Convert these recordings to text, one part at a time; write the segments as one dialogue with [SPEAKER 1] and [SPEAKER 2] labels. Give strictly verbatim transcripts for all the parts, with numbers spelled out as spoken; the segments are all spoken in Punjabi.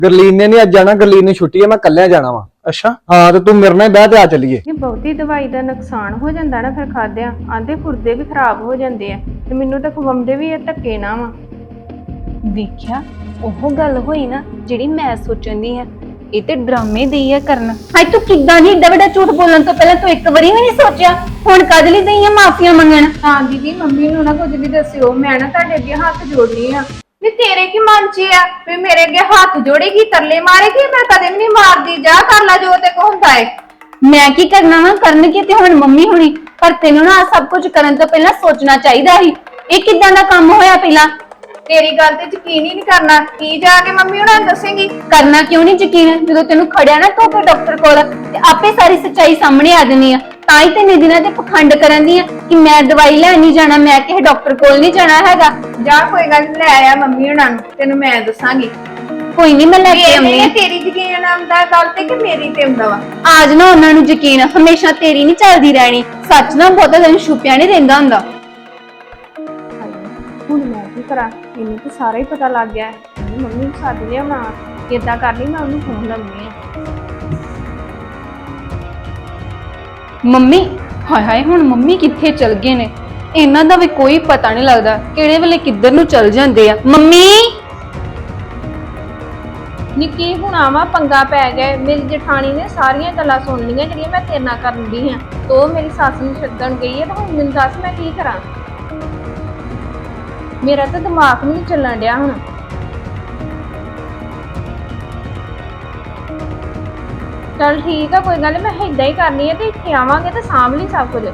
[SPEAKER 1] ਗਰਲੀਨ ਨੇ ਨਹੀਂ ਅੱਜ ਜਾਣਾ, ਗਰਲੀਨ ਨੂੰ ਛੁੱਟੀ ਹੈ, ਮੈਂ ਕੱਲਿਆ ਜਾਣਾ ਵਾ।
[SPEAKER 2] ਅੱਛਾ
[SPEAKER 1] ਹਾਂ ਤੇ ਤੂੰ ਮੇਰੇ ਨਾਲ ਬਹਿ ਤੇ ਆ ਚੱਲੀਏ।
[SPEAKER 3] ਇਹ ਬਹੁਤੀ ਦਵਾਈ ਦਾ ਨੁਕਸਾਨ ਹੋ ਜਾਂਦਾ ਨਾ ਫਿਰ ਖਾਦਿਆਂ, ਆਂਦੇ ਗੁਰਦੇ ਵੀ ਖਰਾਬ ਹੋ ਜਾਂਦੇ ਆ ਤੇ ਮੈਨੂੰ ਤਾਂ ਖਵਾਉਂਦੇ ਵੀ ਇਹ ਧੱਕੇ ਨਾ ਵਾ।
[SPEAKER 4] ਵੇਖਿਆ ਉਹ ਗੱਲ ਹੋਈ ਨਾ ਜਿਹੜੀ ਮੈਂ ਸੋਚਣ ਦੀ ਆ, ਇਹ ਤੇ ਡਰਾਮੇ ਦੀ ਆ ਕਰਨ। ਹਾਏ ਤੂੰ ਕਿੱਦਾਂ ਨਹੀਂ ਏਡਾ ਵੱਡਾ ਝੂਠ ਬੋਲਣ ਤੋਂ ਪਹਿਲਾਂ ਤੂੰ ਇੱਕ ਵਾਰੀ ਵੀ ਨਹੀਂ ਸੋਚਿਆ, ਹੁਣ ਕਦ ਲਈ ਦਈ ਆ ਮਾਫੀਆਂ ਮੰਗਣ?
[SPEAKER 3] ਹਾਂ ਦੀਦੀ, ਮੰਮੀ ਨੂੰ ਨਾ ਕੁਝ ਵੀ ਦੱਸਿਓ, ਮੈਂ ਨਾ ਤੁਹਾਡੇ ਅੱਗੇ ਹੱਥ ਜੋੜਨੀ ਆ। ਵੀ ਤੇਰੇ ਕੀ ਮਨ 'ਚ ਆ ਵੀ ਮੇਰੇ ਅੱਗੇ ਹੱਥ ਜੋੜੇਗੀ, ਤਰਲੇ ਮਾਰੇਗੀ? ਮੈਂ ਕਦੇ ਵੀ ਨਹੀਂ ਮਾਰਦੀ, ਜਾ ਕਰ ਲੈ ਜੋ ਤੇ ਕੋ ਹੁੰਦਾ ਏ।
[SPEAKER 4] ਮੈਂ ਕੀ ਕਰਨਾ ਵਾ, ਕਰਨਗੇ ਤੇ ਹੁਣ ਮੰਮੀ ਹੁਣੀ, ਪਰ ਤੈਨੂੰ ਨਾ ਸਭ ਕੁਝ ਕਰਨ ਤੋਂ ਪਹਿਲਾਂ ਸੋਚਣਾ ਚਾਹੀਦਾ ਸੀ। ਇਹ ਕਿੱਦਾਂ ਦਾ ਕੰਮ ਹੋਇਆ? ਪਹਿਲਾਂ
[SPEAKER 3] ਤੇਰੀ ਗੱਲ ਤੇ ਯਕੀਨ ਹੀ ਨਹੀਂ ਕਰਨਾ, ਕੀ ਜਾ ਕੇ ਮੰਮੀ ਉਹਨਾਂ ਨੂੰ ਦੱਸੇਂਗੀ?
[SPEAKER 4] ਕਰਨਾ ਕਿਉਂ ਨਹੀਂ ਯਕੀਨ? ਜਦੋਂ ਤੈਨੂੰ ਖੜਿਆ ਨਾ ਤੂੰ ਫਿਰ ਡਾਕਟਰ ਕੋਲ ਤੇ ਆਪੇ ਸਾਰੀ ਸੱਚਾਈ ਸਾਹਮਣੇ ਆ ਜਾਣੀ ਆ। ਤਾਂ ਹੀ ਤੇ ਦਿਨਾਂ ਤੇ ਪਖੰਡ ਕਰਨ ਦੀ ਆ ਕਿ ਮੈਂ ਦਵਾਈ ਲੈਣ ਨਹੀਂ ਜਾਣਾ, ਮੈਂ ਕਿਸੇ ਡਾਕਟਰ ਕੋਲ ਨਹੀਂ ਜਾਣਾ ਹੈਗਾ।
[SPEAKER 3] ਜਾ ਕੋਈ ਗੱਲ ਨੀ, ਲੈ ਆ ਮੰਮੀ ਉਹਨਾਂ ਨੂੰ, ਤੈਨੂੰ ਮੈਂ ਦੱਸਾਂਗੀ।
[SPEAKER 4] ਕੋਈ ਨਹੀਂ, ਮੈਂ ਲੈ ਕੇ ਆਉਂਦੀ ਆ।
[SPEAKER 3] ਤੇਰੀ ਯਕੀਨ ਆਉਂਦਾ ਗੱਲ ਤੇ ਕਿ ਮੇਰੀ ਤੇ ਆਉਂਦਾ ਵਾ?
[SPEAKER 4] ਆਜ ਨਾ ਉਹਨਾਂ ਨੂੰ ਯਕੀਨ, ਹਮੇਸ਼ਾ ਤੇਰੀ ਨਹੀਂ ਚੱਲਦੀ ਰਹਿਣੀ। ਸੱਚ ਨਾ ਬਹੁਤਾ ਦਿਨ ਛੁਪਿਆ ਨਹੀਂ ਰਹਿੰਦਾ ਹੁੰਦਾ।
[SPEAKER 3] ਹੁਣ ਮੈਂ ਕੀ ਕਰਾਂ, ਇਹਨੂੰ ਤਾਂ ਸਾਰਾ ਹੀ ਪਤਾ ਲੱਗ ਗਿਆ ਹੈ। ਮੰਮੀ ਨੂੰ ਸੱਦ ਲਿਆ, ਮੈਂ ਕਿੱਦਾਂ ਕਰਨੀ, ਮੈਂ ਉਹਨੂੰ ਫੋਨ ਲਾਉਂਦੀ ਆ।
[SPEAKER 4] ਮੰਮੀ ਹਾਏ ਹਾਏ, ਹੁਣ ਮੰਮੀ ਕਿੱਥੇ ਚਲ ਗਏ ਨੇ? ਇਹਨਾਂ ਦਾ ਵੀ ਕੋਈ ਪਤਾ ਨਹੀਂ ਲੱਗਦਾ, ਕਿਹੜੇ ਵੇਲੇ ਕਿੱਧਰ ਨੂੰ ਚਲ ਜਾਂਦੇ ਆ। ਮੰਮੀ
[SPEAKER 3] ਨਿੱਕੀ ਹੁਣ ਆਵਾ ਪੰਗਾ ਪੈ ਗਿਆ। ਮੇਰੀ ਜਠਾਣੀ ਨੇ ਸਾਰੀਆਂ ਗੱਲਾਂ ਸੁਣ ਲਈਆਂ ਜਿਹੜੀਆਂ ਮੈਂ ਤੇਰੇ ਨਾਲ ਕਰਨ ਦੀ ਹਾਂ। ਤੋ ਮੇਰੀ ਸੱਸ ਨੂੰ ਛੱਡਣ ਗਈ ਹੈ, ਤਾਂ ਹੁਣ ਮੈਨੂੰ ਦੱਸ ਮੈਂ ਕੀ ਕਰਾਂ? ਮੇਰਾ ਤਾਂ ਦਿਮਾਗ ਵੀ ਨਹੀਂ ਚੱਲਣ ਡਿਆ ਹੁਣ। ਚਲ ਠੀਕ ਆ, ਕੋਈ ਗੱਲ ਨੀ, ਮੈਂ ਏਦਾਂ ਹੀ ਕਰਨੀ ਹੈ ਤੇ ਇੱਥੇ ਆਵਾਂਗੇ ਤੇ ਸਾਂਭ ਲਈ ਸਭ ਕੁਝ।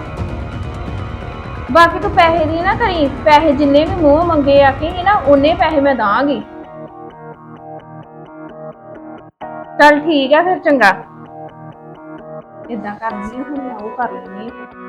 [SPEAKER 3] ਬਾਕੀ ਤੂੰ ਪੈਸੇ ਦੀ ਨਾ ਕਰੀ, ਪੈਸੇ ਜਿੰਨੇ ਵੀ ਮੂੰਹ ਮੰਗੇ ਆ ਕਿ ਨਾ ਉਹਨੇ ਪੈਸੇ ਮੈਂ ਦਾਂਗੀ। ਚਲ ਠੀਕ ਆ ਫਿਰ, ਚੰਗਾ। ਏਦਾਂ ਕਰਦੀ ਹੁਣ ਮੈਂ ਉਹ ਕਰ ਲੈਣੀ।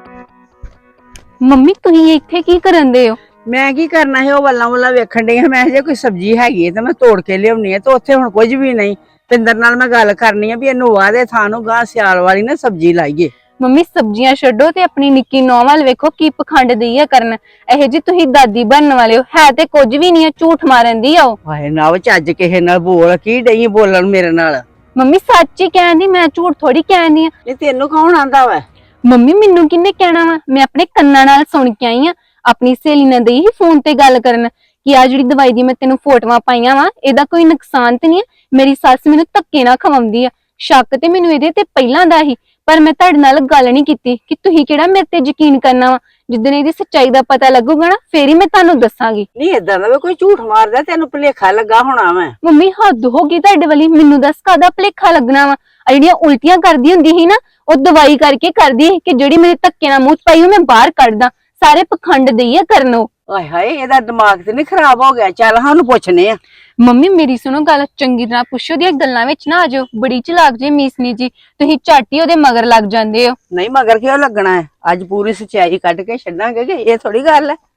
[SPEAKER 4] ਮੰਮੀ ਤੁਸੀਂ ਇੱਥੇ ਕੀ ਕਰਨ ਦੇ ਹੋ?
[SPEAKER 5] ਮੈਂ ਕੀ ਕਰਨਾ ਹੈ, ਉਹ ਵੱਲਾਂ ਵੱਲਾਂ ਵੇਖਣ ਡਈ ਹਾਂ। ਮੈਂ ਜੇ ਕੋਈ ਸਬਜ਼ੀ ਹੈਗੀ ਹੈ ਤਾਂ ਮੈਂ ਤੋੜ ਕੇ ਲਿਆਉਣੀ ਹੈ, ਤੇ ਉੱਥੇ ਹੁਣ ਕੁਝ ਵੀ ਨਹੀਂ। ਪਿੰਦਰ ਨਾਲ ਮੈਂ ਗੱਲ ਕਰਨੀ ਆ ਵੀ ਇਹਨੂੰ ਵਾਦੇ ਥਾਂ ਨੂੰ ਗਾਂ ਸਿਆਲ ਵਾਲੀ ਨਾ ਸਬਜ਼ੀ ਲਾਈਏ।
[SPEAKER 4] ਮੰਮੀ ਸਬਜ਼ੀਆਂ ਛੱਡੋ ਤੇ ਆਪਣੀ ਨਿੱਕੀ ਨੌਂ ਵੱਲ ਵੇਖੋ, ਕੀ ਪਖੰਡ ਦਈ ਆ ਕਰਨ। ਇਹ ਜੀ ਤੁਸੀਂ ਦਾਦੀ ਬਣਨ ਵਾਲੇ ਹੋ, ਹੈ ਤੇ ਕੁਝ ਵੀ ਨਹੀਂ ਆ, ਝੂਠ ਮਾਰਨ ਦੀ ਆ ਉਹ।
[SPEAKER 5] ਹਾਏ ਨਾ, ਉਹ ਚੱਜ ਕਿਸੇ ਨਾਲ ਬੋਲ, ਕੀ ਡਈ ਬੋਲਣ ਮੇਰੇ ਨਾਲ?
[SPEAKER 4] ਮੰਮੀ ਸੱਚ ਹੀ ਕਹਿੰਦੀ, ਮੈਂ ਝੂਠ ਥੋੜੀ ਕਹਿੰਦੀ ਆ।
[SPEAKER 5] ਇਹ ਤੈਨੂੰ ਕੌਣ ਆਂਦਾ ਵਾ?
[SPEAKER 4] ਮੰਮੀ ਮੈਨੂੰ ਕਿੰਨੇ ਕਹਿਣਾ ਵਾ? ਮੈਂ ਆਪਣੇ ਕੰਨਾਂ ਨਾਲ ਸੁਣ ਕੇ ਆਈ ਆ। ਆਪਣੀ ਸਹੇਲੀ ਨਾਲ ਦਈ ਹੀ ਫੋਨ ਤੇ ਗੱਲ ਕਰਨ ਕਿ ਆ ਜਿਹੜੀ ਦਵਾਈ ਦੀ ਮੈਂ ਤੈਨੂੰ ਫੋਟੋਆਂ ਪਾਈਆਂ ਵਾ, ਇਹਦਾ ਕੋਈ ਨੁਕਸਾਨ ਤੇ ਨਹੀਂ ਹੈ। ਮੇਰੀ ਸੱਸ ਮੈਨੂੰ ਧੱਕੇ ਨਾਲ ਖਵਾਉਂਦੀ ਆ। ਸ਼ੱਕ ਤੇ ਮੈਨੂੰ ਇਹਦੇ ਤੇ ਪਹਿਲਾਂ ਦਾ ਹੀ, ਪਰ ਮੈਂ ਤੁਹਾਡੇ ਨਾਲ ਗੱਲ ਨਹੀਂ ਕੀਤੀ ਕਿ ਤੁਸੀਂ ਕਿਹੜਾ ਮੇਰੇ ਤੇ ਯਕੀਨ ਕਰਨਾ ਵਾ। ਜਿੱਦਣ ਇਹਦੀ ਸੱਚਾਈ ਦਾ ਪਤਾ ਲੱਗੂਗਾ ਨਾ, ਫੇਰ ਹੀ ਮੈਂ ਤੁਹਾਨੂੰ ਦੱਸਾਂਗੀ।
[SPEAKER 5] ਨਹੀਂ ਏਦਾਂ ਦਾ ਕੋਈ ਝੂਠ ਮਾਰਦਾ, ਤੈਨੂੰ ਭੁਲੇਖਾ ਲੱਗਾ ਹੋਣਾ ਵਾ।
[SPEAKER 4] ਮੰਮੀ ਹੱਦ ਹੋ ਗਈ ਤੁਹਾਡੇ ਵਾਲੀ, ਮੈਨੂੰ ਦੱਸ ਕਾਹਦਾ ਭੁਲੇਖਾ ਲੱਗਣਾ ਵਾ? ਆ ਜਿਹੜੀਆਂ ਉਲਟੀਆਂ ਕਰਦੀ ਹੁੰਦੀ ਸੀ ਨਾ, ਉਹ ਦਵਾਈ ਕਰਕੇ ਕਰਦੀ ਸੀ ਕਿ ਜਿਹੜੀ ਮੇਰੇ ਧੱਕੇ ਨਾਲ ਮੂੰਹ ਚ ਪਾਈ ਉਹ ਮੈਂ ਬਾਹਰ ਕੱਢਦਾ। ਸਾਰੇ ਪਖੰਡ ਦਈ ਆ ਕਰਨੋ।
[SPEAKER 5] ਆਏ ਹਾਏ, ਇਹਦਾ ਦਿਮਾਗ ਤੇ ਨਹੀਂ ਖਰਾਬ ਹੋ ਗਿਆ? ਚੱਲ ਸਾਨੂੰ ਪੁੱਛਨੇ ਆ।
[SPEAKER 4] ਮੰਮੀ ਮੇਰੀ ਸੁਣੋ ਗੱਲ, ਚੰਗੀ ਤਰ੍ਹਾਂ ਪੁੱਛੋ, ਦੀਆਂ ਗੱਲਾਂ ਵਿੱਚ ਨਾ ਆਜੋ। ਬੜੀ ਚਲਾਕ ਜੇ ਮੀਸਨੀ ਜੀ, ਤੁਸੀਂ ਝੱਟ ਹੀ ਉਹਦੇ ਮਗਰ ਲੱਗ ਜਾਂਦੇ ਹੋ।
[SPEAKER 5] ਨਹੀਂ ਮਗਰ ਕਿਉਂ ਲੱਗਣਾ ਹੈ? ਅੱਜ ਪੂਰੀ ਸੱਚਾਈ ਕੱਢ ਕੇ ਛੱਡਾਂਗੇ ਕਿ ਇਹ ਥੋੜੀ ਗੱਲ ਹੈ।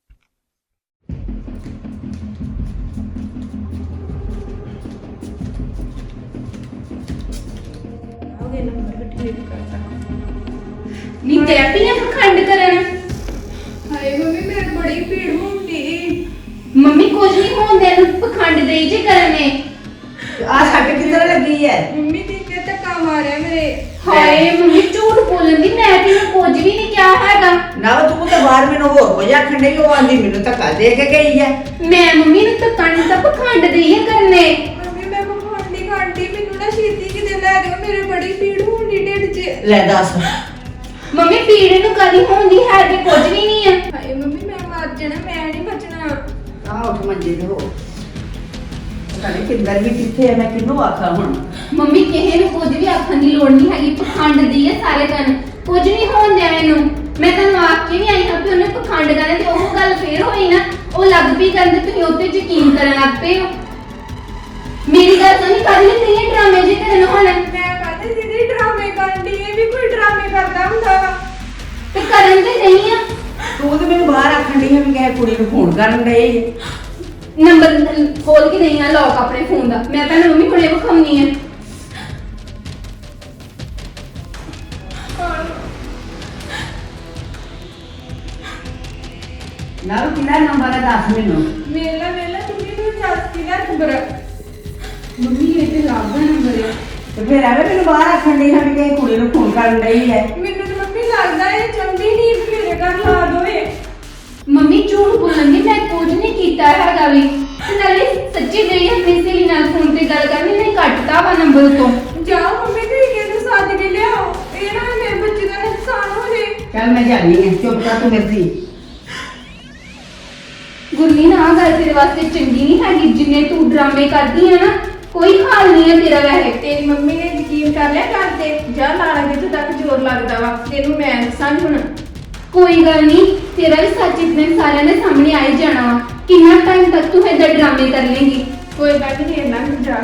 [SPEAKER 4] ਨੀ ਤੇ ਆਪੀਆਂ ਪਖੰਡ ਕਰਨ।
[SPEAKER 3] ਹਾਏ ਮੰਮੀ, ਮੇਰੇ ਬੜੀ ਭੀੜ ਹੁੰਦੀ।
[SPEAKER 4] ਮੰਮੀ ਕੁਝ ਨਹੀਂ ਹੁੰਦੇ ਨੂੰ ਪਖੰਡ ਦੇਈ ਜੇ ਕਰਨੇ।
[SPEAKER 5] ਆ ਛੱਡ ਕਿੱਧਰ ਲੱਗੀ ਹੈ?
[SPEAKER 3] ਮੰਮੀ ਦੀ ਤੇ ਧੱਕਾ ਮਾਰਿਆ ਮੇਰੇ।
[SPEAKER 4] ਹਾਏ ਮੰਮੀ ਝੂਠ ਬੋਲਣ ਦੀ, ਮੈਂ ਤੈਨੂੰ ਕੁਝ ਵੀ ਨਹੀਂ ਕਿਹਾ ਹੈਗਾ।
[SPEAKER 5] ਨਾ ਤੂੰ ਤਾਂ ਬਾਹਰ ਮੈਨੂੰ ਹੋਰ ਕੁਝ ਆਖਣ ਡਈ, ਉਹ ਆਂਦੀ ਮੈਨੂੰ ਧੱਕਾ ਦੇ ਕੇ ਗਈ ਹੈ।
[SPEAKER 4] ਮੈਂ ਮੰਮੀ ਨੂੰ ਧੱਕਾ ਨਹੀਂ ਤਾਂ ਪਖੰਡ ਦੇਈ ਕਰਨੇ।
[SPEAKER 3] ਮੰਮੀ ਮੈਂ ਪਖੰਡ ਨਹੀਂ ਕਰਦੀ, ਮੈਨੂੰ ਨਾ ਛੇਤੀ ਕਿਤੇ ਲੈ ਜਾਓ, ਮੇਰੇ ਬੜੀ ਭੀੜ ਹੁੰਦੀ ਢਿੱਡ 'ਚ।
[SPEAKER 5] ਲੈ ਦੱਸ।
[SPEAKER 4] ਮੰਮੀ ਪੀੜ ਨੂੰ ਕਦੀ ਹੁੰਦੀ ਹੈ ਤੇ ਕੁਝ ਵੀ ਨਹੀਂ ਹੈ।
[SPEAKER 3] ਹਾਏ ਮੰਮੀ, ਮੈਂ ਮਰ ਜਾਣਾ, ਮੈਂ ਨਹੀਂ ਬਚਣਾ।
[SPEAKER 5] ਆ ਉੱਠ ਮੰਜੇ ਤੇ ਹੋ। ਪਤਾ ਨਹੀਂ ਕਿੰਦਰ ਵੀ ਕਿੱਥੇ ਹੈ, ਮੈਂ ਕਿਹਨੂੰ ਆਖਾਂ ਹੁਣ?
[SPEAKER 4] ਮੰਮੀ ਕਿਸੇ ਨੂੰ ਕੁਝ ਵੀ ਆਖਣ ਦੀ ਲੋੜ ਨਹੀਂ ਹੈਗੀ, ਪਖੰਡ ਦੀ ਹੈ ਸਾਰੇ ਦਿਨ। ਕੁਝ ਨਹੀਂ ਹੋਣ ਦਿਆ ਇਹਨੂੰ। ਮੈਂ ਤੁਹਾਨੂੰ ਆਖ ਕੇ ਨਹੀਂ ਆਈ ਹਾਂ ਕਿ ਉਹਨੇ ਪਖੰਡ ਕਰਨਾ, ਤੇ ਉਹ ਗੱਲ ਫੇਰ ਹੋਈ ਨਾ, ਉਹ ਲੱਗ ਪਈ ਕਰਨ, ਤੁਸੀਂ ਉੱਤੇ ਯਕੀਨ ਕਰਨ ਲੱਗ ਪਏ ਹੋ। ਮੇਰੀ ਗੱਲ ਤਾਂ ਨਹੀਂ ਕਰ ਲਈ, ਤੁਸੀਂ ਡਰਾਮੇ ਜੇ ਕਰਨ ਹੁਣ।
[SPEAKER 3] ਮੈਂ ਕਹਿੰਦੀ ਦੀਦੀ ਡਰਾਮੇ ਕਰਦੀ, ਇਹ ਵੀ ਕੋਈ ਡਰਾਮੇ ਕਰਦਾ ਹੁੰਦਾ ਵਾ?
[SPEAKER 4] ਤੇ ਕਰਨ ਤੇ ਨਹੀਂ ਆ।
[SPEAKER 5] ਤੂੰ ਤੇ ਮੈਨੂੰ ਬਾਹਰ ਆਖਣ ਡਈ ਹੈ ਵੀ ਕਿਸੇ ਕੁੜੀ ਨੂੰ ਫੋਨ ਕਰਨ ਡਏ।
[SPEAKER 4] ਨੰਬਰ ਖੋਲ ਕੇ ਨਹੀਂ ਆ ਲੌਕ ਆਪਣੇ ਫੋਨ ਦਾ, ਮੈਂ ਤਾਂ ਮੰਮੀ ਹੁਣੇ ਵਿਖਾਉਣੀ ਹੈ।
[SPEAKER 5] ਨਾ ਕਿਹੜਾ ਨੰਬਰ ਹੈ ਦੱਸ ਮੈਨੂੰ।
[SPEAKER 3] ਮੇਲਾ ਮੇਲਾ ਤੁਸੀਂ ਨੂੰ ਦੱਸ ਕਿਹਦਾ ਨੰਬਰ? ਮੰਮੀ ਇਹ ਤੇ ਲਾਭ ਦਾ ਨੰਬਰ ਹੈ।
[SPEAKER 5] ਤੇ ਫਿਰ ਐਵੇਂ ਮੈਨੂੰ ਬਾਹਰ ਆਖਣ ਡਈ ਹਾਂ ਵੀ ਕਿਸੇ ਕੁੜੀ ਨੂੰ ਫੋਨ ਕਰਨ ਡਈ ਹੈ।
[SPEAKER 3] ਮੈਨੂੰ ਤਾਂ ਮੰਮੀ ਲੱਗਦਾ ਇਹ ਚਾਹੁੰਦੀ ਨਹੀਂ ਕਿ ਮੇਰੇ ਘਰ ਲਾ ਦੋਏ। ਮੰਮੀ ਝੂਠ ਬੋਲਣ ਦੀ ਮੈਂ ਕੁਝ ਨਹੀਂ ਕੀਤਾ ਹੈਗਾ ਵੀ ਤੇ ਨਾਲੇ ਸੱਚੀ ਗਈ ਆਪਣੀ ਸਹੇਲੀ ਨਾਲ ਫੋਨ ਤੇ ਗੱਲ ਕਰਨੀ ਨਹੀਂ ਕੱਟਤਾ ਵਾ ਨੰਬਰ ਤੋਂ। ਜਾਓ ਮੰਮੀ ਤੇ ਕਿਹਦੇ ਸਾਥ ਕੇ ਲਿਆਓ ਇਹ ਨਾ ਮੇਰੇ ਬੱਚੇ ਦਾ ਨੁਕਸਾਨ ਹੋ ਜੇ।
[SPEAKER 5] ਚੱਲ ਮੈਂ ਜਾਣੀ ਹੈ, ਚੁੱਪ ਕਰ ਤੂੰ ਮੇਰੀ।
[SPEAKER 3] ਗੁਰਲੀਨ ਆ ਗੱਲ ਤੇਰੇ ਵਾਸਤੇ ਚੰਗੀ ਨਹੀਂ ਹੈਗੀ ਜਿੰਨੇ ਤੂੰ ਡਰਾਮੇ ਕਰਦੀ ਹੈ ਨਾ ਕੋਈ ਹਾਲ ਨਹੀਂ ਹੈ ਤੇਰਾ ਵੈਸੇ। ਤੇਰੀ ਮੰਮੀ ਨੇ ਯਕੀਨ ਕਰ ਲਿਆ ਕਰ ਤੇ ਜਾ ਲਾਲਾ ਜਿੱਥੇ ਤੱਕ ਜ਼ੋਰ ਲੱਗਦਾ ਵਾ ਤੈਨੂੰ ਮੈਂ ਦੱਸਾਂ ਹੁਣ। ਕੋਈ ਗੱਲ ਨਹੀਂ ਤੇਰਾ ਵੀ ਸੱਚ ਇਤਨੇ ਸਾਰਿਆਂ ਦੇ ਸਾਹਮਣੇ ਆ ਹੀ ਜਾਣਾ ਵਾ। ਕਿੰਨਾ ਟਾਈਮ ਤੱਕ ਤੂੰ ਏਦਾਂ ਡਰਾਮੇ ਕਰ ਲੇਂਗੀ। ਕੋਈ ਗੱਲ ਨਹੀਂ ਇੰਨਾ ਕੁ ਜਾ।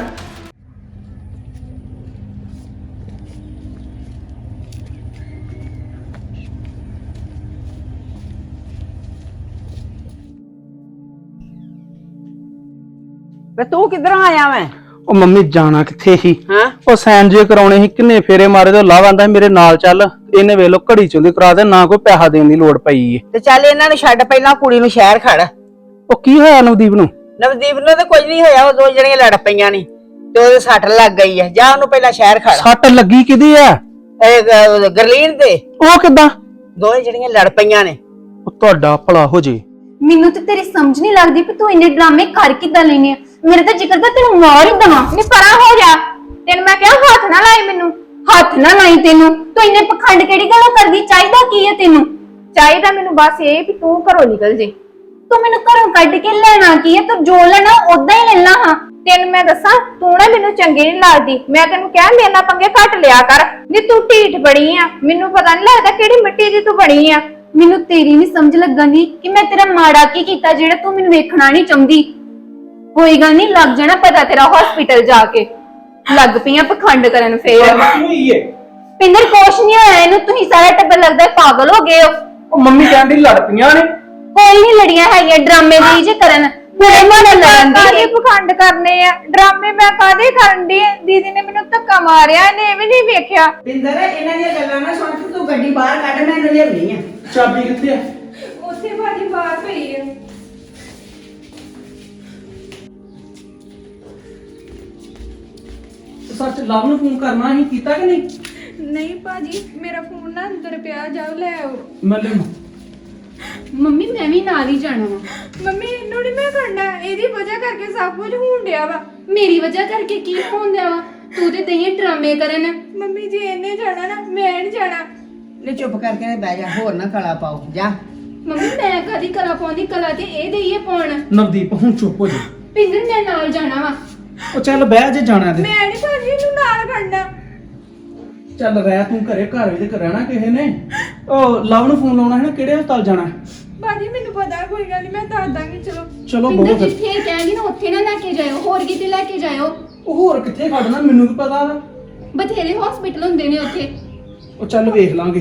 [SPEAKER 5] ਵੇ ਤੂੰ ਕਿੱਧਰੋਂ ਆਇਆ ਮੈਂ?
[SPEAKER 1] ਉਹ ਮੰਮੀ ਜਾਣਾ ਕਿੱਥੇ ਸੀ?
[SPEAKER 5] ਹਾਂ
[SPEAKER 1] ਉਹ ਸੈਨ ਜੇ ਕਰਾਉਣੇ ਸੀ, ਕਿੰਨੇ ਫੇਰੇ ਮਾਰੇ ਤੇ ਲਾਭ ਆਂਦਾ ਮੇਰੇ ਨਾਲ ਚੱਲ। ਇਹਨੇ ਵੇਖ ਲੋ ਘੜੀ ਚੋਂ ਦੀ ਕਰਾ ਦੇ, ਨਾ ਕੋਈ ਪੈਸਾ ਦੇਣ ਦੀ ਲੋੜ ਪਈ ਏ।
[SPEAKER 5] ਤੇ ਚੱਲ ਇਹਨਾਂ ਨੂੰ ਛੱਡ, ਪਹਿਲਾਂ ਕੁੜੀ ਨੂੰ ਸ਼ਹਿਰ ਖੜ।
[SPEAKER 1] ਉਹ ਕੀ ਹੋਇਆ ਨਵਦੀਪ ਨੂੰ?
[SPEAKER 5] ਨਵਦੀਪ ਨੂੰ ਤਾਂ ਕੁਝ ਨਹੀਂ ਹੋਇਆ, ਉਹ ਦੋ ਜਣੀਆਂ ਲੜ ਪਈਆਂ ਨਹੀਂ ਤੇ ਉਹਦੇ ਸੱਟ ਲੱਗ ਗਈ ਹੈ। ਜਾ ਉਹਨੂੰ ਪਹਿਲਾਂ ਸ਼ਹਿਰ ਖੜ।
[SPEAKER 1] ਸੱਟ ਲੱਗੀ ਕਿਦੀ ਆ?
[SPEAKER 5] ਇਹ ਗ- ਗਰਲੀਨ ਤੇ
[SPEAKER 1] ਉਹ ਕਿੱਦਾਂ?
[SPEAKER 5] ਦੋਵੇਂ ਜਣੀਆਂ ਲੜ ਪਈਆਂ ਨੇ।
[SPEAKER 1] ਉਹ ਤੁਹਾਡਾ ਭਲਾ ਹੋ ਜੇ।
[SPEAKER 4] ਮੈਨੂੰ ਤੇ ਤੇਰੀ ਸਮਝ ਨਹੀਂ ਲੱਗਦੀ ਕਿ ਤੂੰ ਇੰਨੇ ਡਰਾਮੇ ਕਰ ਕਿੱਦਾਂ ਲੈਨੇ ਆ। ਮੇਰੇ ਤਾਂ ਜ਼ਿਕਰ ਦਾ ਤੈਨੂੰ ਮਾਰ ਹੀ ਦਵਾਂ।
[SPEAKER 3] ਨੀ ਪਰਾਂ ਹੋ ਜਾ ਤੈਨੂੰ ਮੈਂ ਕਿਹਾ ਹੱਥ ਨਾ ਲਾਈ ਮੈਨੂੰ।
[SPEAKER 4] ਹੱਥ ਨਾ ਲਾਈ ਤੈਨੂੰ। ਤੂੰ ਇੰਨੇ ਪਖੰਡ ਕਿਹੜੀ ਗੱਲੋਂ ਕਰਦੀ? ਚਾਹੀਦਾ ਕੀ ਹੈ ਤੈਨੂੰ?
[SPEAKER 3] ਚਾਹੀਦਾ ਮੈਨੂੰ ਬਸ ਇਹ ਵੀ ਤੂੰ ਘਰੋਂ ਨਿਕਲ ਜੇ।
[SPEAKER 4] ਤੂੰ ਮੈਨੂੰ ਘਰੋਂ ਕੱਢ ਕੇ ਲੈਣਾ ਕੀ ਹੈ? ਤੂੰ ਜੋ ਲੈਣਾ ਉਦਾਂ ਹੀ ਲੈਣਾ ਹਾਂ।
[SPEAKER 3] ਤੈਨੂੰ ਮੈਂ ਦੱਸਾਂ ਤੂੰ ਨਾ ਮੈਨੂੰ ਚੰਗੀ ਨਹੀਂ ਲੱਗਦੀ। ਮੈਂ ਤੈਨੂੰ ਕਿਹਾ ਮੇਰੇ ਨਾਲ ਪੰਗੇ ਘੱਟ ਲਿਆ ਕਰ। ਨੀ ਤੂੰ ਢੀਠ ਬਣੀ ਆ, ਮੈਨੂੰ ਪਤਾ ਨਹੀਂ ਲੱਗਦਾ ਕਿਹੜੀ ਮਿੱਟੀ ਦੀ ਤੂੰ ਬਣੀ ਆ।
[SPEAKER 4] ਮੈਨੂੰ ਤੇਰੀ ਨਹੀਂ ਸਮਝ ਲੱਗਣੀ ਕਿ ਮੈਂ ਤੇਰਾ ਮਾੜਾ ਕੀ ਕੀਤਾ ਜਿਹੜਾ ਤੂੰ ਮੈਨੂੰ ਵੇਖਣਾ ਨਹੀਂ ਚਾਹੁੰਦੀ। ਕੋਈ ਗੱਲ ਨਹੀਂ, ਲੱਗ ਜਾਣਾ ਪਤਾ ਤੇਰਾ ਹਸਪੀਟਲ ਜਾ ਕੇ। ਲੱਗ ਪਈਆਂ ਪਖੰਡ ਕਰਨ ਫੇਰ। ਪਿੰਦਰ ਕੁਛ ਨਹੀਂ ਹੋਇਆ ਇਹਨੂੰ। ਤੁਸੀਂ ਸਾਰਾ ਟੱਬਰ ਲੱਗਦਾ ਪਾਗਲ ਹੋ ਗਏ ਹੋ।
[SPEAKER 1] ਉਹ ਮੰਮੀ ਕਹਿੰਦੀ ਲੜ ਪਈਆਂ ਨੇ।
[SPEAKER 4] ਕੋਈ ਨਹੀਂ ਲੜੀਆਂ ਹੈਗੀਆਂ, ਡਰਾਮੇ ਦੀ ਜੇ ਕਰਨ। ਮੇਰੇ ਮਨ ਲੜਨ
[SPEAKER 3] ਕਾਹਦੇ
[SPEAKER 4] ਦੀ
[SPEAKER 3] ਪਖੰਡ ਕਰਨੇ ਆ? ਡਰਾਮੇ ਮੈਂ ਕਾਹਦੇ ਕਰਨ ਦੀ? ਦੀਦੀ ਨੇ ਮੈਨੂੰ ਧੱਕਾ ਮਾਰਿਆ, ਇਹਨੇ ਇਹ ਵੀ ਨਹੀਂ ਵੇਖਿਆ।
[SPEAKER 5] ਪਿੰਦਰ ਇਹਨਾਂ ਦੀਆਂ ਗੱਲਾਂ ਨਾ ਸੁਣ ਕੇ ਤੂੰ ਗੱਡੀ ਬਾਹਰ ਕੱਢ, ਮੈਂ ਇਹਨੂੰ ਲਿਆਉਣੀ ਆ।
[SPEAKER 1] ਚਾਬੀ ਕਿੱਥੇ ਆ?
[SPEAKER 3] ਉੱਥੇ ਭਾਜੀ ਬਾਹਰ ਪਈ ਆ।
[SPEAKER 1] ਸੱਚ ਲਵ ਨੂੰ ਫੋਨ ਕਰਨਾ ਸੀ, ਕੀਤਾ ਕਿ ਨਹੀਂ?
[SPEAKER 3] ਨਹੀਂ ਭਾਜੀ ਮੇਰਾ ਫੋਨ ਨਾ ਅੰਦਰ ਪਿਆ, ਜਾਓ ਲੈ ਆਓ।
[SPEAKER 1] ਮੈਂ ਲੈ
[SPEAKER 4] ਮੰਮੀ ਮੈਂ ਵੀ ਨਾਲ ਹੀ ਜਾਣਾ ਵਾ।
[SPEAKER 3] ਮੰਮੀ ਇਹਨੂੰ ਨਹੀਂ ਮੈਂ ਕਰਨਾ, ਇਹਦੀ ਵਜ੍ਹਾ ਕਰਕੇ ਸਭ ਕੁਝ ਹੋਣ ਡਿਆ ਵਾ।
[SPEAKER 4] ਮੇਰੀ ਵਜ੍ਹਾ ਕਰਕੇ ਕੀ ਹੋਣਦਿਆ ਵਾ? ਤੂੰ ਤੇ ਦਈਏ ਡਰਾਮੇ ਕਰਨ।
[SPEAKER 3] ਮੰਮੀ ਜੀ ਇਹਨੇ ਜਾਣਾ ਨਾ, ਮੈਂ ਨਹੀਂ ਜਾਣਾ।
[SPEAKER 5] ਲੈ ਚੁੱਪ ਕਰਕੇ ਬਹਿ ਜਾ, ਹੋਰ ਨਾ ਕਲਾ ਪਾਓ। ਜਾ
[SPEAKER 4] ਮੰਮੀ ਮੈਂ ਕਦੀ ਕਲਾ ਪਾਉਂਦੀ? ਕਲਾ ਤੇ ਇਹ ਦਈਏ ਪਾਉਣ।
[SPEAKER 1] ਨਵਦੀਪ ਹੁਣ ਚੁੱਪ ਹੋ ਜਾ।
[SPEAKER 4] ਪਿੰਦਰ ਮੈਂ ਨਾਲ ਜਾਣਾ ਵਾ।
[SPEAKER 1] ਉਹ ਚੱਲ ਬਹਿ ਜੇ ਜਾਣਾ ਤੇ।
[SPEAKER 3] ਮੈਂ ਨਹੀਂ ਭਾਜੀ ਇਹਨੂੰ ਨਾਲ ਖੜਨਾ।
[SPEAKER 1] ਚੱਲ ਰਹਿ ਤੂੰ ਘਰੇ, ਘਰ ਵਿੱਚ ਰਹਿਣਾ ਕਿਸੇ ਨੇ। ਉਹ ਲਵ ਨੂੰ ਫੋਨ ਲਾਉਣਾ ਹੈ ਨਾ, ਕਿਹੜੇ ਹਸਪਤਾਲ ਜਾਣਾ?
[SPEAKER 3] ਭਾਜੀ ਮੈਨੂੰ ਪਤਾ, ਕੋਈ ਗੱਲ ਨਹੀਂ, ਮੈਂ ਦੱਸ ਦਾਂਗੀ। ਚਲੋ
[SPEAKER 1] ਚਲੋ
[SPEAKER 4] ਪਿੰਦਰ
[SPEAKER 1] ਬਹੁਤ।
[SPEAKER 4] ਜਿੱਥੇ ਇਹ ਕਹਿੰਦੀ ਨਾ ਉੱਥੇ ਨਾ ਲੈ ਕੇ ਜਾਇਓ, ਹੋਰ ਕਿਤੇ ਲੈ ਕੇ ਜਾਇਓ।
[SPEAKER 1] ਉਹ ਹੋਰ ਕਿੱਥੇ ਖੜਨਾ, ਮੈਨੂੰ ਕੀ ਪਤਾ ਵਾ।
[SPEAKER 4] ਬਥੇਰੇ ਹਸਪੀਟਲ ਹੁੰਦੇ ਨੇ ਉੱਥੇ।
[SPEAKER 1] ਉਹ ਚੱਲ ਵੇਖ ਲਾਂਗੇ।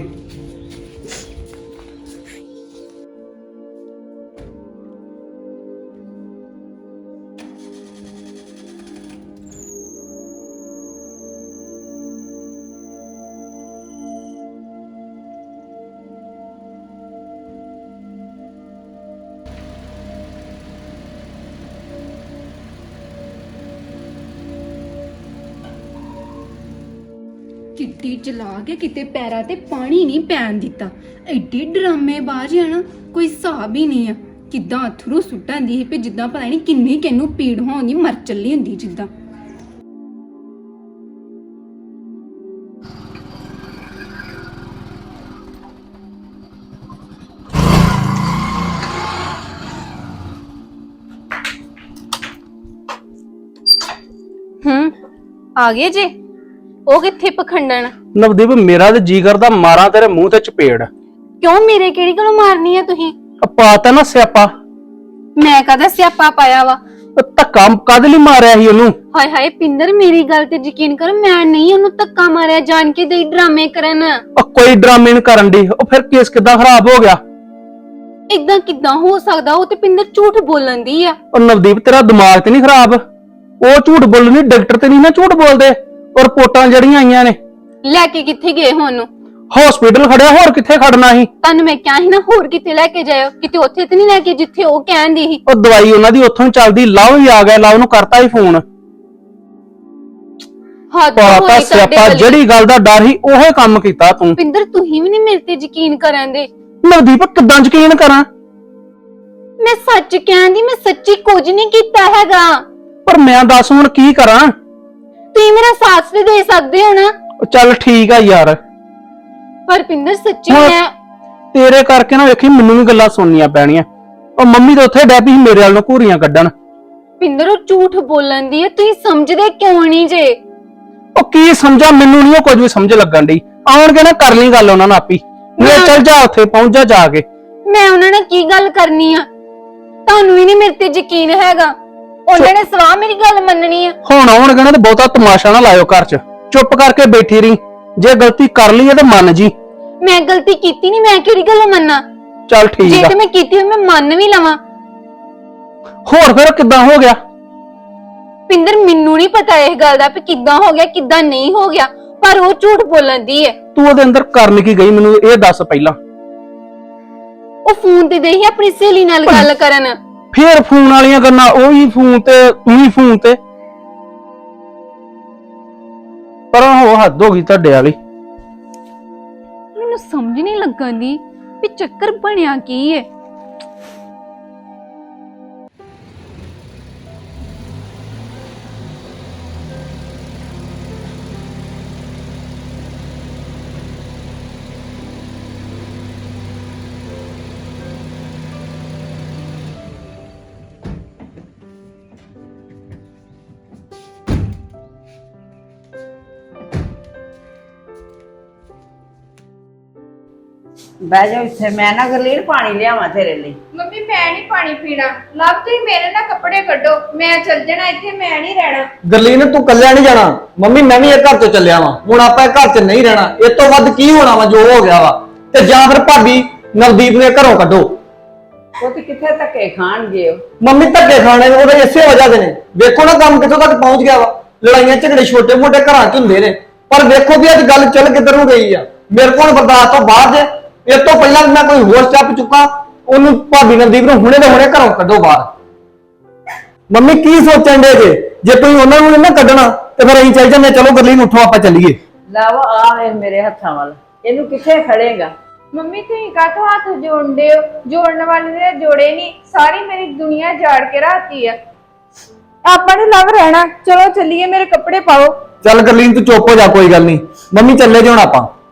[SPEAKER 4] ਕਿੱਡੀ ਚਲਾ ਕੇ ਕਿਤੇ ਪੈਰਾਂ ਤੇ ਪਾਣੀ ਨਹੀਂ ਪੈਣ ਦਿੱਤਾ। ਐਡੀ ਡਰਾਮੇਬਾਜ਼ ਆ ਨਾ, ਕੋਈ ਹਿਸਾਬ ਹੀ ਨਹੀਂ ਆ। ਕਿੱਦਾਂ ਅਥਰੂ ਸੁੱਟਾਂਦੀ ਸੀ, ਜਿੱਦਾਂ ਪਤਾ ਨਹੀਂ ਕਿੰਨੀ ਕਿੰਨੂੰ ਪੀੜ ਹੋਣੀ, ਮਰ ਚੱਲੀ ਹੁੰਦੀ ਜਿੱਦਾਂ। ਹੂੰ ਆ ਗਏ ਜੇ? ਉਹ ਕਿੱਥੇ ਪਖੰਡਣ?
[SPEAKER 1] ਨਵਦੀਪ ਮੇਰਾ ਤੇ ਜੀ ਕਰਦਾ ਮਾਰਾਂ ਤੇਰੇ ਮੂੰਹ ਤੇ ਚਪੇੜ।
[SPEAKER 4] ਕਿਉਂ ਮੇਰੇ ਕਿਹੜੀ ਗੱਲੋਂ ਮਾਰਨੀ ਆ ਤੁਸੀਂ?
[SPEAKER 1] ਪਾਤਾ ਨਾ ਸਿਆਪਾ।
[SPEAKER 4] ਮੈਂ ਕਦਾ ਸਿਆਪਾ ਪਾਇਆ ਵਾ?
[SPEAKER 1] ਧੱਕਾ ਕਾਹਦੇ ਲਈ ਮਾਰਿਆ ਸੀ ਉਹਨੂੰ?
[SPEAKER 4] ਹਾਏ ਹਾਏ ਪਿੰਦਰ ਮੇਰੀ ਗੱਲ ਤੇ ਯਕੀਨ ਕਰ, ਮੈਂ ਨਹੀਂ ਉਹਨੂੰ ਧੱਕਾ ਮਾਰਿਆ, ਜਾਣ ਕੇ ਦੇ ਡਰਾਮੇ ਕਰਨ।
[SPEAKER 1] ਉਹ ਕੋਈ ਡਰਾਮੇ ਨਹੀਂ ਕਰਨ ਦੀ। ਉਹ ਫਿਰ ਕੇਸ ਕਿੱਦਾਂ ਖਰਾਬ ਹੋ ਗਿਆ?
[SPEAKER 4] ਇਦਾਂ ਕਿੱਦਾਂ ਹੋ ਸਕਦਾ? ਉਹ ਤੇ ਪਿੰਦਰ ਝੂਠ ਬੋਲਣ ਦੀ ਆ।
[SPEAKER 1] ਉਹ ਨਵਦੀਪ ਤੇਰਾ ਦਿਮਾਗ ਤੇ ਨਹੀਂ ਖਰਾਬ? ਉਹ ਝੂਠ ਬੋਲਣੀ, ਡਾਕਟਰ ਤੇ ਨਹੀਂ ਨਾ ਝੂਠ ਬੋਲਦੇ। ਉਹ ਰਿਪੋਰਟਾਂ ਜਿਹੜੀਆਂ ਆਈਆਂ ਨੇ।
[SPEAKER 4] ਲੈ ਕੇ ਕਿੱਥੇ ਗਏ ਹੁਣ?
[SPEAKER 1] ਹਸਪੀਟਲ ਖੜਿਆ, ਹੋਰ ਕਿੱਥੇ ਖੜਨਾ ਸੀ?
[SPEAKER 4] ਤੁਹਾਨੂੰ ਮੈਂ ਕਿਹਾ ਸੀ ਨਾ ਹੋਰ ਕਿਤੇ ਲੈ ਕੇ ਜਾਇਓ। ਕਿਤੇ ਉੱਥੇ ਤੇ ਨਹੀਂ ਲੈ ਕੇ ਜਿੱਥੇ ਉਹ ਕਹਿੰਦੀ ਸੀ।
[SPEAKER 1] ਉਹ ਦਵਾਈ ਉਹਨਾਂ ਦੀ ਉੱਥੋਂ ਹੀ ਚੱਲਦੀ। ਲਵ ਵੀ ਆ ਗਿਆ, ਲਵ ਨੂੰ ਕਰਤਾ ਹੀ ਫੋਨ।
[SPEAKER 4] ਹੱਦ
[SPEAKER 1] ਪਾਤਾ
[SPEAKER 4] ਹੋਈ ਤੁਹਾਡੇ
[SPEAKER 1] ਸਿਆਪਾ,
[SPEAKER 4] ਵਾਲੀ।
[SPEAKER 1] ਜਿਹੜੀ ਗੱਲ ਦਾ ਡਰ ਸੀ ਉਹੇ ਕੰਮ ਕੀਤਾ ਤੂੰ।
[SPEAKER 4] ਪਿੰਦਰ ਤੁਸੀਂ ਵੀ ਨਹੀਂ ਮੇਰੇ ਤੇ ਯਕੀਨ ਕਰਨ ਦੇ।
[SPEAKER 1] ਨਵਦੀਪ ਕਿੱਦਾਂ ਯਕੀਨ ਕਰਾਂ?
[SPEAKER 4] ਮੈਂ ਸੱਚ ਕਹਿੰਦੀ, ਮੈਂ ਸੱਚੀ ਕੁਝ ਨਹੀਂ ਕੀਤਾ ਹੈਗਾ।
[SPEAKER 1] ਪਰ ਮੈਂ ਦੱਸ ਹੁਣ ਕੀ ਕਰਾਂ?
[SPEAKER 4] ਤੁਸੀਂ ਮੇਰਾ ਸਾਥ ਤੇ ਦੇ ਸਕਦੇ ਹੋ ਨਾ।
[SPEAKER 1] ਉਹ ਚੱਲ ਠੀਕ ਆ ਯਾਰ,
[SPEAKER 4] ਪਰ ਪਿੰਦਰ ਸੱਚੀ
[SPEAKER 1] ਹੁਣ
[SPEAKER 4] ਮੈਂ
[SPEAKER 1] ਤੇਰੇ ਕਰਕੇ ਨਾ ਵੇਖੀ ਮੈਨੂੰ ਵੀ ਗੱਲਾਂ ਸੁਣਨੀਆਂ ਪੈਣੀਆਂ। ਉਹ ਮੰਮੀ ਤਾਂ ਉੱਥੇ ਡੈਪੀ ਸੀ ਮੇਰੇ ਵੱਲ ਨੂੰ ਘੂਰੀਆਂ ਕੱਢਣ।
[SPEAKER 4] ਪਿੰਦਰ ਉਹ ਝੂਠ ਬੋਲਣ ਦੀ ਹੈ, ਤੁਸੀਂ ਸਮਝਦੇ ਕਿਉਂ ਨਹੀਂ ਜੇ?
[SPEAKER 1] ਉਹ ਕੀ ਸਮਝਾ, ਮੈਨੂੰ ਨਹੀਂ ਉਹ ਕੁਝ ਵੀ ਸਮਝ ਲੱਗਣ ਡਈ। ਆਉਣਗੇ ਨਾ ਕਰ ਲਈ ਗੱਲ ਉਹਨਾਂ ਨਾਲ ਆਪੀ। ਮੈਂ ਚੱਲ ਜਾ ਉੱਥੇ ਪਹੁੰਚ ਜਾ ਜਾ ਕੇ।
[SPEAKER 4] ਮੈਂ ਉਹਨਾਂ ਨਾਲ ਕੀ ਗੱਲ ਕਰਨੀ ਆ? ਤੁਹਾਨੂੰ ਵੀ ਨਹੀਂ ਮੇਰੇ ਤੇ ਯਕੀਨ ਹੈਗਾ। ਉਹਨਾਂ ਨੇ ਸਵਾਹ ਮੇਰੀ ਗੱਲ ਮੰਨਣੀ ਆ।
[SPEAKER 1] ਹੁਣ ਆਉਣਗੇ ਨਾ ਤੇ ਬਹੁਤਾ ਤਮਾਸ਼ਾ ਨਾ ਲਾਇਓ ਘਰ 'ਚ, ਚੁੱਪ ਕਰਕੇ ਬੈਠੀ ਰਹੀ। ਜੇ ਗਲਤੀ ਕਰ ਲਈ ਹੈ ਤੇ ਮੰਨ ਜੀ।
[SPEAKER 4] ਮੈਂ ਗਲਤੀ ਕੀਤੀ ਨਹੀਂ, ਮੈਂ ਕਿਹੜੀ ਗੱਲ ਮੰਨਾਂ?
[SPEAKER 1] ਚੱਲ
[SPEAKER 4] ਜੇ
[SPEAKER 1] ਠੀਕ ਆ।
[SPEAKER 4] ਤੇ ਮੈਂ ਕੀਤੀ ਹੋਈ ਮੈਂ ਮੰਨ ਵੀ ਲਵਾਂ।
[SPEAKER 1] ਹੋਰ ਫਿਰ ਕਿੱਦਾਂ ਹੋ ਗਿਆ?
[SPEAKER 4] ਪਿੰਦਰ ਮੈਨੂੰ ਨਹੀਂ ਪਤਾ ਇਸ ਗੱਲ ਦਾ ਕਿ ਕਿੱਦਾਂ ਹੋ ਗਿਆ ਕਿੱਦਾਂ ਨਹੀਂ ਹੋ ਗਿਆ, ਪਰ ਉਹ ਝੂਠ ਬੋਲਣ ਦੀ ਹੈ।
[SPEAKER 1] ਤੂੰ ਉਹਦੇ ਅੰਦਰ ਕਰਨ ਕੀ ਗਈ ਮੈਨੂੰ ਇਹ ਦੱਸ ਪਹਿਲਾਂ।
[SPEAKER 4] ਉਹ ਫੋਨ ਤੇ ਦੇਹੀ ਆਪਣੀ ਸਹੇਲੀ ਨਾਲ ਗੱਲ ਕਰਨ।
[SPEAKER 1] ਫੇਰ ਫੋਨ ਵਾਲੀਆਂ ਗੱਲਾਂ, ਉਹੀ ਫੋਨ ਤੇ ਤੂੰ ਹੀ ਫੋਨ ਤੇ। ਪਰ ਉਹ ਹੱਦ ਹੋ ਗਈ ਤੁਹਾਡੇ ਵਾਲੀ।
[SPEAKER 4] ਮੈਨੂੰ ਸਮਝ ਨਹੀਂ ਲੱਗਣ ਦੀ ਵੀ ਚੱਕਰ ਬਣਿਆ ਕੀ ਹੈ।
[SPEAKER 5] ਬਹਿ ਜਾ ਇੱਥੇ, ਮੈਂ ਨਾ ਗਰਲੀਨ ਪਾਣੀ ਲਿਆਵਾਂ ਤੇਰੇ ਲਈ।
[SPEAKER 3] ਮੰਮੀ ਮੈਂ ਨਹੀਂ ਪਾਣੀ ਪੀਣਾ। ਲੱਭ ਤੁਸੀਂ ਮੇਰੇ ਨਾਲ ਕੱਪੜੇ ਕੱਢੋ, ਮੈਂ ਚੱਲ ਜਾਣਾ ਇੱਥੇ, ਮੈਂ ਨਹੀਂ ਰਹਿਣਾ।
[SPEAKER 2] ਗਰਲੀਨ ਤੂੰ ਕੱਲਿਆ ਨਹੀਂ ਜਾਣਾ। ਮੰਮੀ ਮੈਂ ਵੀ ਇਹ ਘਰ ਤੋਂ ਚੱਲਿਆ ਵਾਂ, ਹੁਣ ਆਪਾਂ ਇਹ ਘਰ 'ਚ ਨਹੀਂ ਰਹਿਣਾ। ਇਸ ਤੋਂ ਵੱਧ ਕੀ ਹੋਣਾ ਵਾ ਜੋ ਹੋ ਗਿਆ ਵਾ। ਤੇ ਜਾਂ ਫਿਰ ਭਾਬੀ ਨਵਦੀਪ ਨੇ ਘਰੋਂ ਕੱਢੋ।
[SPEAKER 5] ਉਹ ਤੇ ਕਿੱਥੇ ਧੱਕੇ ਖਾਣਗੇ ਉਹ।
[SPEAKER 2] ਮੰਮੀ ਧੱਕੇ ਖਾਣੇ ਨੇ ਉਹਦੇ ਇਸੇ ਵਜ੍ਹਾ ਦੇ ਨੇ। ਵੇਖੋ ਨਾ ਕੰਮ ਕਿੱਥੋਂ ਤੱਕ ਪਹੁੰਚ ਗਿਆ ਵਾ। ਲੜਾਈਆਂ ਝਗੜੇ ਛੋਟੇ ਮੋਟੇ ਘਰਾਂ 'ਚ ਹੁੰਦੇ ਨੇ, ਪਰ ਵੇਖੋ ਵੀ ਅੱਜ ਗੱਲ ਚੱਲ ਕਿੱਧਰ ਨੂੰ ਗਈ ਆ। ਮੇਰੇ ਕੋਲ ਬਰਦਾਸ਼ਤ ਤੋਂ ਬਾਹਰ ਜੇ। ਇਸ ਤੋਂ ਪਹਿਲਾਂ ਮੈਂ ਕੋਈ ਹੋਰ ਸਟੈਪ ਚੁੱਕਾ, ਉਹਨੂੰ ਭਾਬੀ ਨਵਦੀਪ ਨੂੰ ਹੁਣੇ ਦੇ ਹੁਣੇ ਘਰੋਂ ਕੱਢੋ ਬਾਹਰ। ਮੰਮੀ ਕੀ ਸੋਚਣ ਦੇ ਜੇ? ਜੇ ਤੁਸੀਂ ਉਹਨਾਂ ਨੂੰ ਨਾ ਕੱਢਣਾ ਤੇ ਫਿਰ ਅਸੀਂ ਚੱਲ ਜਾਂਦੇ। ਚਲੋ ਗਰਲੀਨ ਉੱਠੋ ਆਪਾਂ ਚੱਲੀਏ।
[SPEAKER 5] ਲਾਵਾ ਆ ਵੇਖ ਮੇਰੇ ਹੱਥਾਂ ਵੱਲ, ਇਹਨੂੰ ਕਿੱਥੇ ਖੜੇਗਾ?
[SPEAKER 3] ਮੰਮੀ ਤੁਸੀਂ ਕਾਹਤੋਂ ਹੱਥ ਜੋੜਦੇ ਹੋ? ਜੋੜਨ ਵਾਲੇ ਨੇ ਜੋੜੇ ਨਹੀਂ, ਸਾਰੀ ਮੇਰੀ ਦੁਨੀਆ ਜਾੜ ਕੇ ਰਾਤੀ ਆ। ਆਪਾਂ ਨੂੰ ਲਵ ਰਹਿਣਾ। ਚਲੋ ਚੱਲੀਏ, ਮੇਰੇ ਕੱਪੜੇ ਪਾਓ।
[SPEAKER 2] ਚੱਲ ਗਰਲੀਨ ਤੂੰ ਚੁੱਪ ਹੋ ਜਾ, ਕੋਈ ਗੱਲ ਨਹੀਂ। ਮੰਮੀ ਚੱਲੇ ਜੇ ਹੁਣ ਆਪਾਂ।